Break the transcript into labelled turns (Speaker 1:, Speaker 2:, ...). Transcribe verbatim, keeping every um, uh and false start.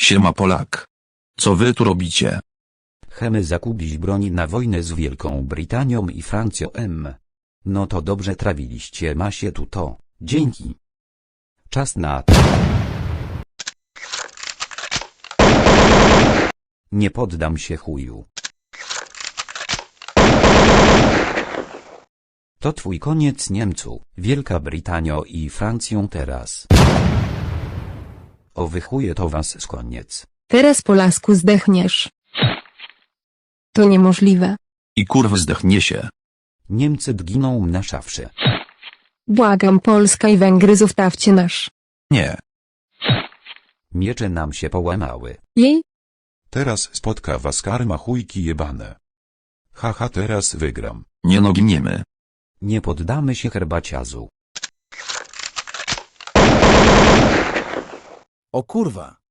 Speaker 1: Siema Polak. Co wy tu robicie?
Speaker 2: Chcemy zakupić broń na wojnę z Wielką Brytanią i Francją M. No to dobrze trawiliście masie tu to, dzięki. Czas na... Nie poddam się chuju. To twój koniec Niemcu, Wielka Brytanio i Francją teraz. O wy chuje to was z koniec.
Speaker 3: Teraz Polasku zdechniesz. To niemożliwe.
Speaker 1: I kurw zdechnie się.
Speaker 2: Niemcy dginą na szafsze.
Speaker 3: Błagam, Polska i Węgry, zostawcie nasz.
Speaker 1: Nie.
Speaker 2: Miecze nam się połamały.
Speaker 3: Jej?
Speaker 4: Teraz spotka was karma chujki jebane. Haha, teraz wygram.
Speaker 1: Nie no, giniemy.
Speaker 2: Nie poddamy się herbaciazu.
Speaker 5: O kurwa.